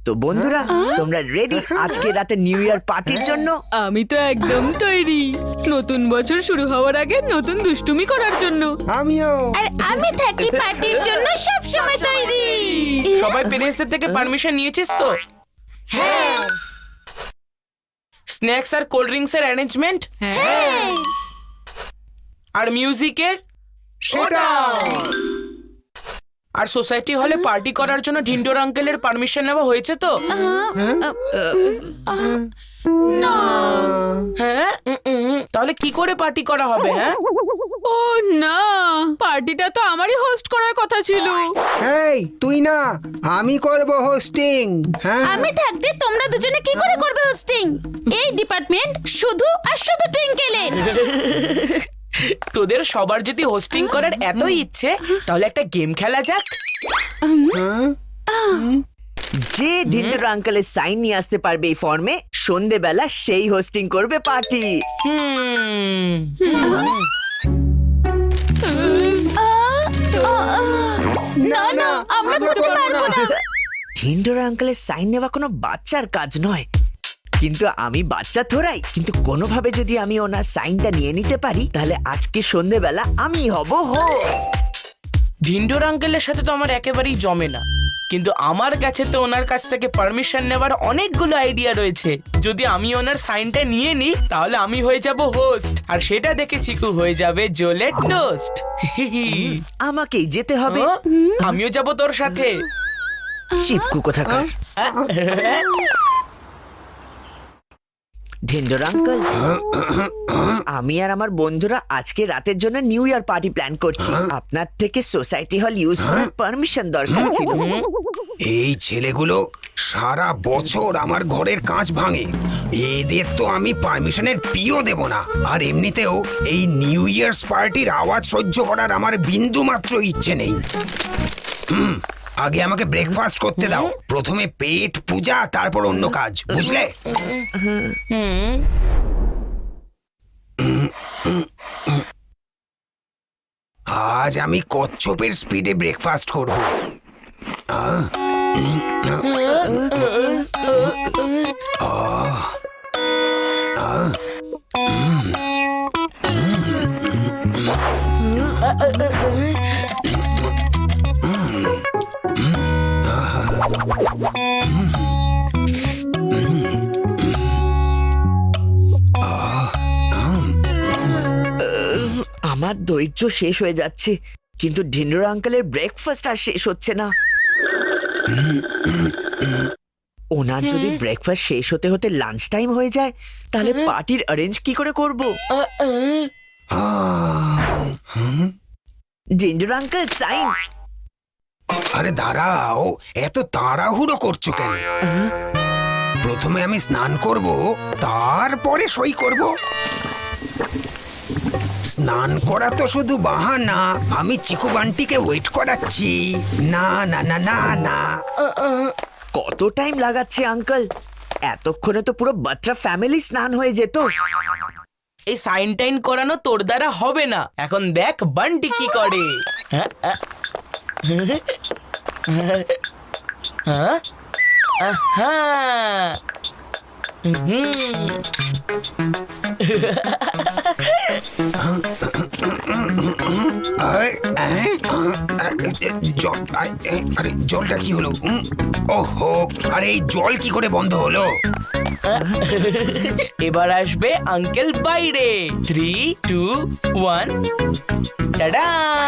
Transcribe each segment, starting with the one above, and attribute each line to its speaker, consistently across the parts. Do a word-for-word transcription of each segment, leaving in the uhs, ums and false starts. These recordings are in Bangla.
Speaker 1: তো বন্ধুরা তোমরা রেডি আজকে রাতে নিউ ইয়ার পার্টির জন্য?
Speaker 2: আমি তো একদম তৈরি, নতুন বছর শুরু হওয়ার আগে নতুন দুষ্টুমি করার জন্য।
Speaker 3: আমিও।
Speaker 4: আর আমি থাকি পার্টির জন্য সব সময় তৈরি।
Speaker 5: সবাই প্যারেন্টসের থেকে পারমিশন নিয়েছিস তো?
Speaker 4: হ্যাঁ
Speaker 5: স্ন্যাক্স আর কোল্ড ড্রিঙ্কস এর অ্যারেঞ্জমেন্ট
Speaker 4: হ্যাঁ
Speaker 5: আর মিউজিকের
Speaker 3: সেটা
Speaker 5: আর সোসাইটি হলে পার্টি করার জন্য ঢিন্ডোর আঙ্কেলের পারমিশন নেওয়া হয়েছে তো?
Speaker 4: না
Speaker 5: হ্যাঁ উম, উম, তাহলে কি করে পার্টি করা হবে? হ্যাঁ
Speaker 2: ও না, পার্টিটা তো আমারই হোস্ট করার কথা ছিল।
Speaker 3: এই তুই না, আমি করব হোস্টিং। হ্যাঁ
Speaker 4: আমি থাকতে তোমরা দুজনে কি করে করবে হোস্টিং? এই ডিপার্টমেন্ট শুধু আর শুধু টুইঙ্কেলের।
Speaker 5: তোদের সবার যদি হোস্টিং করার এতই ইচ্ছে তাহলে একটা গেম খেলা যাক।
Speaker 1: যে ঢিন্ডোর আঙ্কেলের সাইন নিয়ে আসতে পারবে এই ফর্মে সন্ধেবেলা সেই হোস্টিং করবে পার্টি।
Speaker 5: হুম
Speaker 4: না না আমরা করতে পারবো না।
Speaker 1: ঢিন্ডোর আঙ্কেলের সাইন নেওয়া কোনো বাচ্চার কাজ নয়, কিন্তু আমি বাচ্চা থোড়াই। কিন্তু কোনোভাবে যদি আমি ওনার সাইনটা নিয়ে নিতে পারি তাহলে আজকে সন্ধেবেলা আমি হব হোস্ট।
Speaker 5: ঢিন্ডোর আঙ্কেলের সাথে তো আমার একেবারেই জমে না, কিন্তু আমার কাছে তো ওনার কাছ থেকে পারমিশন নেওয়ার অনেকগুলো আইডিয়া রয়েছে। যদি আমি ওনার সাইনটা নিয়ে নিই তাহলে আমি হয়ে যাব হোস্ট, আর সেটা দেখে চিকু হয়ে যাবে জোলের টোস্ট।
Speaker 1: আমাকেই যেতে হবে।
Speaker 5: আমিও যাব তোর সাথে।
Speaker 1: শিবকু কোথাকার। ঢিন্ডোর আঙ্কেল, আমি আর আমার বন্ধুরা আজকে রাতের জন্য নিউ ইয়ার পার্টি প্ল্যান করছি। আপনার থেকে সোসাইটি হল ইউজ করার পারমিশন দরকার ছিল।
Speaker 3: এই ছেলেগুলো সারা বছর আমার ঘরের কাঁচ ভাঙে, এদের তো আমি পারমিশনের পিও দেব না। আর এমনিতেও এই নিউ ইয়ার্স পার্টির আওয়াজ সহ্য করার আমার বিন্দু মাত্র ইচ্ছে নেই। হুম, আগে আমাকে ব্রেকফাস্ট করতে দাও। প্রথমে পেট পূজা, তারপর অন্য কাজ, বুঝলে? আজ আমি কচ্ছপের স্পিডে ব্রেকফাস্ট করব। আহ, উম, আহ, আহ, উম,
Speaker 1: আমার ধৈর্য শেষ হয়ে যাচ্ছে, কিন্তু ঢিন্ডোর আঙ্কেলের ব্রেকফাস্ট আর শেষ হচ্ছে না। ওনার যদি ব্রেকফাস্ট শেষ হতে হতে লাঞ্চ টাইম হয়ে যায় তাহলে পার্টির অ্যারেঞ্জ কি করে করব? Dhindor uncle sign.
Speaker 3: আরে দাঁড়াও, এত তাড়াহুড়ো করছো কেন? প্রথমে আমি স্নান করব, তারপরে সই করব। স্নান করা তো শুধু বাহানা, আমি চিকু বান্টিকে ওয়েট করাচ্ছি। না না না না না
Speaker 1: কত টাইম লাগাচ্ছে আঙ্কেল? এতক্ষণে তো পুরো বাচ্চা ফ্যামিলি স্নান হয়ে যেত।
Speaker 5: এই সাইন টাইন করানো তোর দ্বারা হবে না। এখন দেখ বান্টি কি করে। হ্যাঁ হ্যাঁ হ্যাঁ
Speaker 3: আরে, আহ, জল, আরে জলটা কি হলো? উম, ওহো, আরে এই জল কি করে বন্ধ হলো?
Speaker 5: এবার আসবে আঙ্কেল বাইরে। Three two one tada.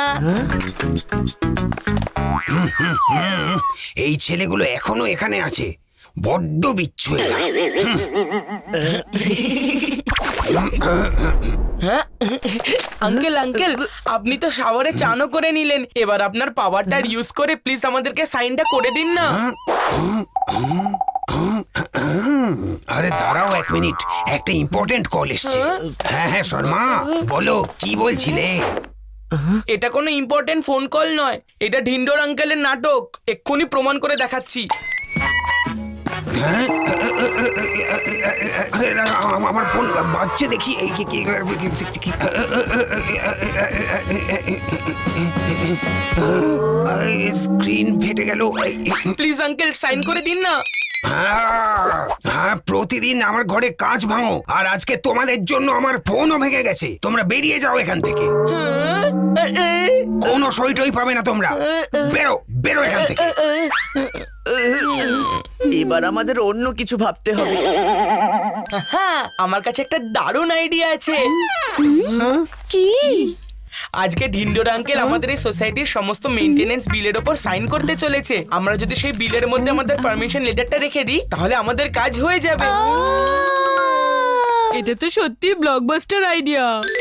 Speaker 3: এই ছেলেগুলো এখনো এখানে আছে, বড্ড বিচ্ছু এরা।
Speaker 5: হ্যাঁ আঙ্কেল আঙ্কেল আপনি তো শাওয়ারে চানও করে নিলেন, এবার আপনার পাওয়ারটা ইউজ করে প্লিজ আমাদেরকে সাইনটা করে দিন না।
Speaker 3: আরে দাঁড়াও এক মিনিট, একটা ইম্পর্টেন্ট কল এসছে। হ্যাঁ হ্যাঁ শর্মা, বলো কি বলছিলে?
Speaker 5: এটা কোনো ইম্পর্টেন্ট ফোন কল নয়, এটা ঢিন্ডোর আঙ্কেলের নাটক। এক্ষুনি প্রমাণ করে দেখাচ্ছি।
Speaker 3: হ্যাঁ? আরে, আ- আমার ফোন বাজছে দেখি এই কি কি স্ক্রিন ফেটে গেল।
Speaker 5: প্লিজ আঙ্কেল সাইন করে দিন না।
Speaker 3: হ্যাঁ, হ্যাঁ, প্রতিদিন আমার ঘরে কাঁচ ভাঙো আর আজকে তোমাদের জন্য আমার ফোনও ভেঙে গেছে। তোমরা বেরিয়ে যাও এখান থেকে। কোনো সই টই পাবে না তোমরা। বেরো বেরো এখান থেকে।
Speaker 1: এবার আমাদের অন্য কিছু ভাবতে হবে।
Speaker 5: হ্যাঁ, আমার কাছে একটা দারুণ আইডিয়া আছে।
Speaker 4: কি?
Speaker 5: আজকে ঢিন্ডোর আঙ্কেল আমাদের এই সোসাইটির সমস্ত মেইনটেনেন্স বিলের ওপর সাইন করতে চলেছে। আমরা যদি সেই বিলের মধ্যে আমাদের পারমিশন লেটারটা রেখে দিই তাহলে আমাদের কাজ হয়ে যাবে।
Speaker 2: এটা তো সত্যি ব্লকবাস্টার আইডিয়া।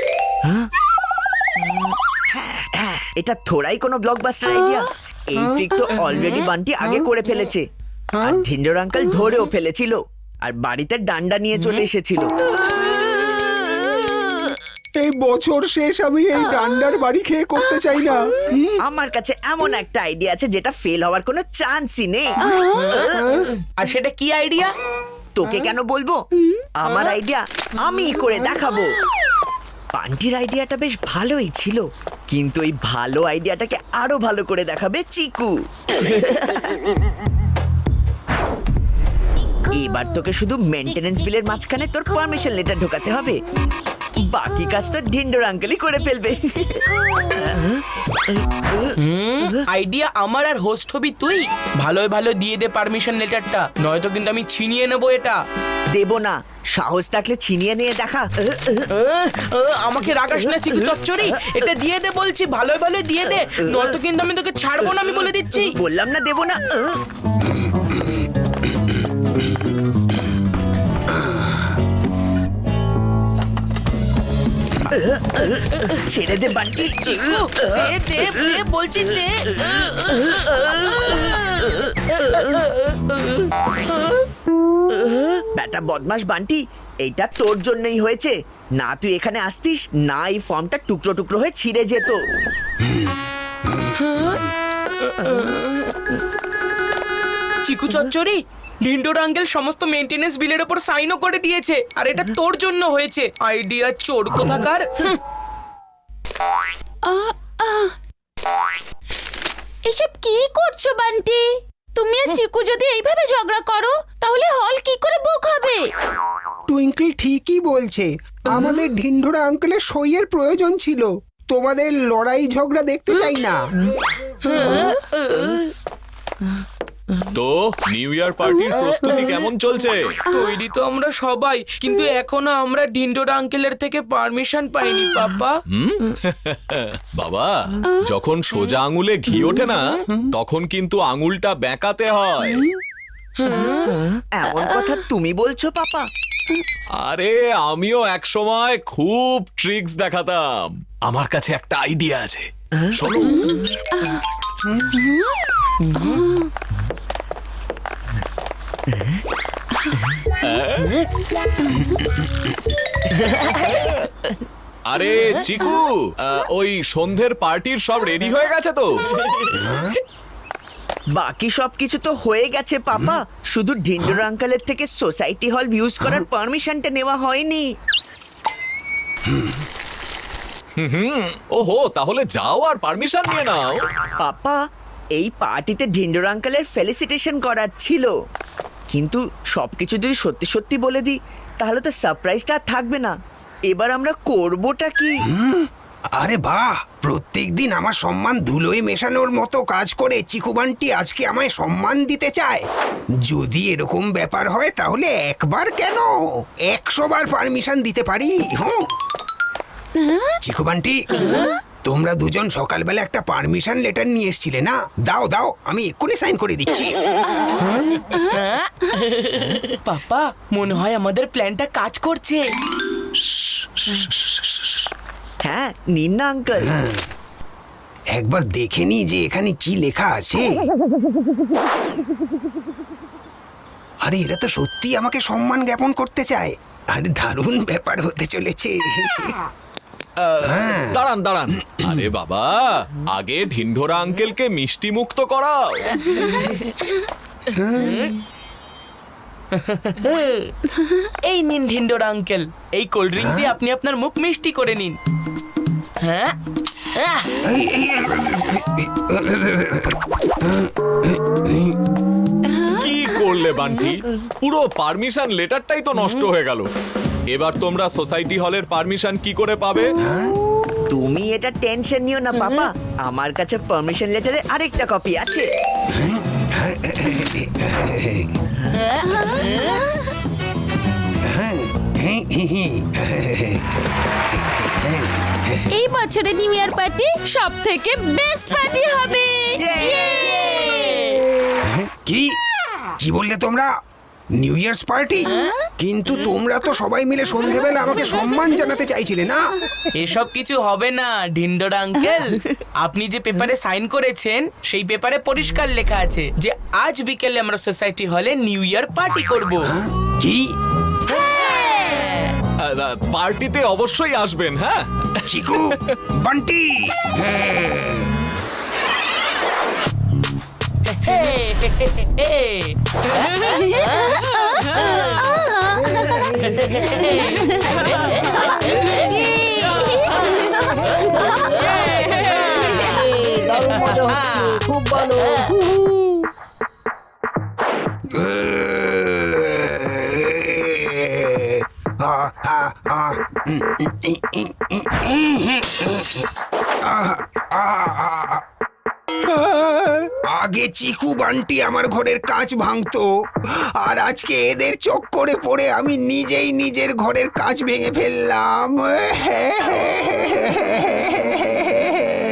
Speaker 1: হ্যাঁ, এটা থোড়াই কোনো ব্লকবাস্টার আইডিয়া। এই ট্রিক তো অলরেডি বান্টি আগে করে ফেলেছে, আর ঢিন্ডোর আঙ্কেল ধরেও ফেলেছিল, আর বাড়িতে ডান্ডা নিয়ে চলে এসেছিল।
Speaker 6: এই বছর শেষ আমি এই ডান্ডার বাড়ি খেয়ে করতে চাই না।
Speaker 1: আমার কাছে এমন একটা আইডিয়া আছে যেটা ফেল হওয়ার কোনো চান্সই নেই।
Speaker 5: আর সেটা কি আইডিয়া?
Speaker 1: তোকে কেন বলবো? আমার আইডিয়া আমি করে দেখাবো। বান্টির আইডিয়াটা বেশ ভালোই ছিল, কিন্তু এই ভালো আইডিয়াটাকে আরো ভালো করে দেখাবে চিকু। এবার তোকে শুধু মেইনটেনেন্স বিলের মাঝখানে তোর পারমিশন লেটার ঢোকাতে হবে, বাকি কাজ তো ঢিন্ডোর আঙ্কেলই করে ফেলবে।
Speaker 5: আইডিয়া আমার আর হোস্ট হবি তুই। ভালোই ভালো দিয়ে দে পারমিশন লেটারটা, নয়তো কিন্তু আমি ছিনিয়ে নেবো এটা।
Speaker 1: দেব না, সাহস থাকলে ছিনিয়ে নিয়ে দেখা।
Speaker 5: আহ, আহ, আমাকে রাগাস না চিকু চচ্চড়ি, এটা দিয়ে দে বলছি, ভালোই ভালো দিয়ে দে, নয়তো কিন্তু আমি তোকে ছাড়বো না, আমি বলে দিচ্ছি।
Speaker 1: বললাম না দেব না। ছেড়ে দে বান্টি।
Speaker 5: চিকু, দে দে দে বলছি দে।
Speaker 1: ব্যাটা বদমাস বান্টি, এইটা তোর জন্যই হয়েছে। না তুই এখানে আসতিস, না এই ফর্মটা টুকরো টুকরো হয়ে ছিঁড়ে যেত।
Speaker 5: চিকু চচ্চড়ি, ঢিন্ডোর আঙ্কেল সমস্ত মেইনটেনেন্স বিলের ওপর সাইনও করে দিয়েছে, আর এটা তোর জন্য হয়েছে। আইডিয়া চোর কোথাকার। হুম।
Speaker 4: আহ, আহ। এসব কি করছো বান্টি? তুমি আর চিকু যদি এইভাবে ঝগড়া করো তাহলে হল কি করে বুক হবে?
Speaker 6: টুইঙ্কল ঠিকই বলছে, আমাদের ঢিন্ডোরা আঙ্কেলের সইয়ের প্রয়োজন ছিল। তোমাদের লড়াই ঝগড়া দেখতে চাই না।
Speaker 7: তো নিউ ইয়ার পার্টির প্রস্তুতি কেমন চলছে?
Speaker 5: তৈরি তো আমরা সবাই, কিন্তু এখনো আমরা ঢিন্ডোর আঙ্কেলের থেকে পারমিশন পাইনি পাপা।
Speaker 7: বাবা, যখন সোজা আঙুলে ঘি ওঠে না তখন কিন্তু আঙুলটা বেঁকাতে হয়।
Speaker 1: এমন কথা তুমি বলছো পাপা?
Speaker 7: আরে আমিও এক সময় খুব ট্রিক্স দেখাতাম। আমার কাছে একটা আইডিয়া আছে, শোনো। আরে চিকু, আহ, ওই সন্ধ্যের পার্টির সব রেডি হয়ে গেছে তো?
Speaker 1: বাকি সবকিছু তো হয়ে গেছে পাপা, শুধু ঢিন্ডোর আঙ্কেলের থেকে সোসাইটি হল ইউজ করার পারমিশনটা নেওয়া হয়নি।
Speaker 7: ওহো, তাহলে যাও আর পারমিশন নিয়ে নাও।
Speaker 1: পাপা, এই পার্টিতে ঢিন্ডোর আঙ্কেলের ফেলিসিটেশন করার ছিল, কিন্তু সবকিছু যদি সত্যি সত্যি বলে দিই তাহলে তো সারপ্রাইজটা আর থাকবে না। এবার আমরা করবোটা কি?
Speaker 3: আরে বাহ, প্রত্যেকদিন আমার সম্মান ধুলোয় মেশানোর মতো কাজ করে চিকু বান্টি আজকে আমায় সম্মান দিতে চায়। যদি এরকম ব্যাপার হয় তাহলে একবার কেন একশো বার পারমিশন দিতে পারি। হুম, চিকু বান্টি, তোমরা দুজন সকালবেলা একটা পারমিশন লেটার নিয়ে এসেছিলে না? দাও দাও, আমি এক্ষুনি সাইন করে দিচ্ছি।
Speaker 5: পাপা, মনে হয় আমাদের প্ল্যানটা কাজ করছে।
Speaker 1: হ্যাঁ, নিন না আঙ্কেল।
Speaker 3: একবার দেখে নি যে এখানে কি লেখা আছে। আরে এরা তো সত্যি আমাকে সম্মান জ্ঞাপন করতে চায়। আরে দারুণ ব্যাপার হতে চলেছে।
Speaker 7: দাঁড়ান দাঁড়ান, আরে বাবা, আগে ঢিন্ডোরা আঙ্কেলকে মিষ্টি মুক্ত করাও।
Speaker 5: এই নিন ঢিন্ডোর আঙ্কেল, এই কোল্ড ড্রিঙ্ক দিয়ে আপনি আপনার মুখ মিষ্টি করে নিন। হ্যাঁ আহ,
Speaker 3: এই- এই-
Speaker 7: কি করলে বান্টি? পুরো পারমিশন লেটারটাই তো নষ্ট হয়ে গেল। এবার তোমরা সোসাইটি হলের পারমিশন কি করে পাবে?
Speaker 1: তুমি এটা টেনশন নিও না পাপা, আমার কাছে পারমিশন লেটারের আরেকটা কপি আছে।
Speaker 4: এই বছরের নিউ ইয়ার পার্টি সব থেকে বেস্ট পার্টি হবে।
Speaker 3: কি কি বললে তোমরা? New year's party? কিন্তু তোমরা তো সবাই মিলে সন্ধেবেলা আমাকে সম্মান জানাতে চাইছিলে না?
Speaker 5: এসব কিছু হবে না ঢিন্ডোর আঙ্কেল। আপনি যে পেপারে সাইন করেছেন সেই পেপারে পরিষ্কার লেখা আছে যে আজ বিকেলে আমরা সোসাইটি হলে নিউ ইয়ার পার্টি করব।
Speaker 3: কি
Speaker 7: পার্টিতে অবশ্যই আসবেন, হ্যাঁ?
Speaker 3: চিকু, বান্টি, হ্যাঁ।
Speaker 5: হে, হে, হে, হে, হে।
Speaker 6: খুব ভালো।
Speaker 3: আ, আ, আ, উম, উম, উম, উম, উম, উম, আ, আ, আ, আ। আগে চিকু বান্টি আমার ঘরের কাঁচ ভাঙতো, আর আজকে এদের চক্করে পড়ে আমি নিজেই নিজের ঘরের কাঁচ ভেঙে ফেললাম।